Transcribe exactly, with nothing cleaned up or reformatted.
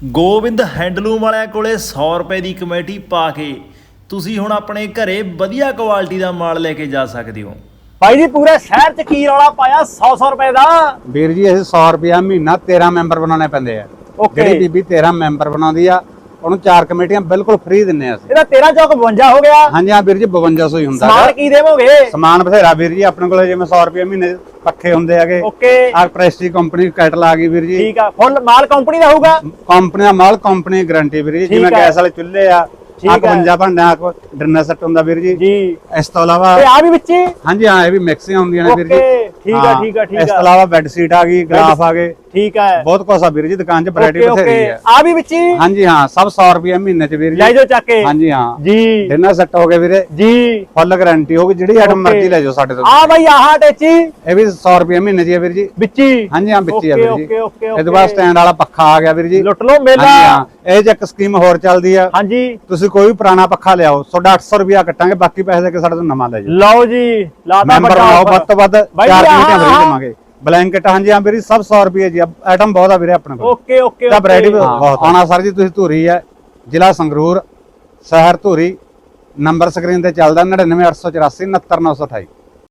Gobind handloom ਵਾਲਿਆਂ ਕੋਲੇ ਸੌ ਰੁਪਏ ਦੀ ਕਮੇਟੀ ਪਾ ਕੇ ਤੁਸੀਂ ਹੁਣ ਆਪਣੇ ਘਰੇ ਵਧੀਆ ਕੁਆਲਿਟੀ ਦਾ ਮਾਲ ਲੈ ਕੇ ਜਾ ਸਕਦੇ ਹੋ। ਭਾਈ ਜੀ ਪੂਰੇ ਸ਼ਹਿਰ ਚ ਕੀ ਰੌਲਾ ਪਾਇਆ ਸੌ ਸੌ ਰੁਪਏ ਦਾ। ਵੀਰ ਜੀ ਇਹ ਸੌ ਰੁਪਿਆ ਮਹੀਨਾ ਤੇਰਾਂ ਮੈਂਬਰ ਬਣਾਉਣੇ ਪੈਂਦੇ ਆ। ਜਿਹੜੀ ਬੀਬੀ ਤੇਰਾਂ ਮੈਂਬਰ ਬਣਾਉਂਦੀ ਆ ਉਹਨੂੰ ਚਾਰ ਕਮੇਟੀਆਂ ਬਿਲਕੁਲ ਫ੍ਰੀ ਦਿੰਨੇ ਆ ਅਸੀਂ। ਇਹਦਾ ਤੇਰਾਂ ਚੌਕ ਬਵੰਜਾ ਹੋ ਗਿਆ। ਹਾਂਜੀ ਹਾਂ ਵੀਰ ਜੀ ਬਵੰਜਾ ਸੌ ਹੀ ਹੁੰਦਾ। ਸਮਾਨ ਕੀ ਦੇਵੋਗੇ? ਸਮਾਨ ਬਥੇਰਾ ਵੀਰ ਜੀ ਆਪਣੇ ਕੋਲ, ਜਿਵੇਂ ਸੌ ਰੁਪਏ ਮਹੀਨੇ ਪੱਖੇ ਹੁੰਦੇ ਹੈਗੇ। ਓਕੇ ਆ ਪ੍ਰੈਸਟੀ ਕੰਪਨੀ ਕੈਟਲ ਆ ਗਈ ਵੀਰ ਜੀ। ਠੀਕ ਆ, ਫੁੱਲ ਮਾਲ ਕੰਪਨੀ ਦਾ ਹੋਊਗਾ। ਕੰਪਨੀ ਦਾ ਮਾਲ ਕੰਪਨੀ ਗਾਰੰਟੀ ਵੀਰ ਜੀ। ਜਿਵੇਂ ਗੈਸ ਵਾਲੇ ਚੁੱਲ੍ਹੇ ਆ ਇਕਵੰਜਾ ਭਾਂਡਿਆਂ ਦਾ ਡਿਨਰ ਸੈੱਟ ਹੁੰਦਾ ਵੀਰ ਜੀ। ਜੀ ਇਸ ਤੋਂ ਇਲਾਵਾ ਤੇ ਆ ਵੀ ਵਿੱਚ ਹੀ? ਹਾਂਜੀ ਹਾਂ ਇਹ ਵੀ ਮਿਕਸਿੰਗ ਹੁੰਦੀਆਂ ਨੇ ਵੀਰ ਜੀ। ਠੀਕ ਆ ਠੀਕ ਆ ਠੀਕ ਆ। ਇਸ ਤੋਂ ਇਲਾਵਾ ਬੈੱਡ ਸ਼ੀਟ ਆ ਗਈ, ਗਲਾਫ ਆ ਗਏ। ਠੀਕ ਹੈ, ਬਹੁਤ ਕੁਛ ਆ ਵੀਰ ਜੀ ਦੁਕਾਨ 'ਚ ਵੈਰਾਈਟੀ ਬਥੇਰੀ ਹੈ। ਆ ਵੀ ਵਿੱਚ ਹੀ? ਹਾਂਜੀ ਹਾਂ ਸਭ ਸੌ ਰੁਪਏ ਮਹੀਨੇ 'ਚ ਵੀਰ ਜੀ। ਲੈ ਜਾਓ ਚੱਕ ਕੇ। ਹਾਂਜੀ ਹਾਂ ਜੀ ਡਿਨਰ ਸੈੱਟ ਹੋ ਗਏ ਵੀਰੇ ਜੀ, ਫੁੱਲ ਗਾਰੰਟੀ ਹੋਗੀ। ਜਿਹੜੀ ਆਈਟਮ ਮਰਜ਼ੀ ਲੈ ਜਾਓ ਸਾਡੇ ਤੋਂ। ਆ ਬਾਈ ਆਹ ਟੇਚੀ ਇਹ ਵੀ ਸੌ ਰੁਪਏ ਮਹੀਨੇ 'ਚ ਹੈ ਵੀਰ ਜੀ। ਵਿੱਚ ਹੀ? ਹਾਂਜੀ ਹਾਂ ਵਿੱਚ ਹੀ ਆ ਵੀਰ ਜੀ। Okay okay okay. ਇਹ ਤੋਂ ਬਾਅਦ ਸਟੈਂਡ ਵਾਲਾ ਪੱਖਾ ਆ ਗਿਆ ਵੀਰ ਜੀ। ਲੁੱਟ ਲਓ ਮੇਲਾ। ਹਾਂਜੀ ਹਾਂ ਇਹ ਚ ਇੱਕ ਸਕੀਮ ਹੋਰ ਚੱਲਦੀ ਆ। ਹਾਂਜੀ ਤੁਸੀਂ ਕੋਈ ਵੀ ਪੁਰਾਣਾ ਪੱਖਾ ਲਿਆਓ ਤੁਹਾਡਾ ਅੱਠ ਸੌ ਰੁਪਿਆ ਕੱਟਾਂਗੇ, ਬਾਕੀ ਪੈਸੇ ਦੇ ਕੇ ਸਾਡੇ ਤੋਂ ਨਵਾਂ ਲੈ ਜਾਓ। ਲਓ ਜੀ ਲਾਤਾ ਮੈਂਬਰ ਬਣਾਓ ਵੱਧ ਤੋਂ ਵੱਧ ਬਾਈ ਚਾਰ ਜੀ, ਕਮੇਟੀਆਂ ਆਹ, ਫ੍ਰੀ ਆਹ। ਦੇਵਾਂਗੇ। ਬਲੈਂਕਟ ਹਾਂਜੀ ਹਾਂ ਵੀਰ ਜੀ ਸਭ ਸੌ ਰੁਪਏ ਜੀ। ਆਈਟਮ ਬਹੁਤ ਆ ਵੀਰੇ ਆਪਣੇ ਕੋਲ। ਓਕੇ ਓਕੇ ਤਾਂ ਵੈਰਾਈਟੀ ਬਹੁਤ ਆਉਣਾ ਸਰ ਜੀ। ਤੁਸੀਂ ਧੂਰੀ ਹੈ ਜ਼ਿਲ੍ਹਾ ਸੰਗਰੂਰ, ਸ਼ਹਿਰ ਧੂਰੀ। ਨੰਬਰ ਸਕਰੀਨ ਤੇ ਚੱਲਦਾ ਨੜਿਨਵੇਂ ਅੱਠ ਸੌ ਚੁਰਾਸੀ ਉਨੱਤਰ ਨੌ ਸੌ ਅਠਾਈ।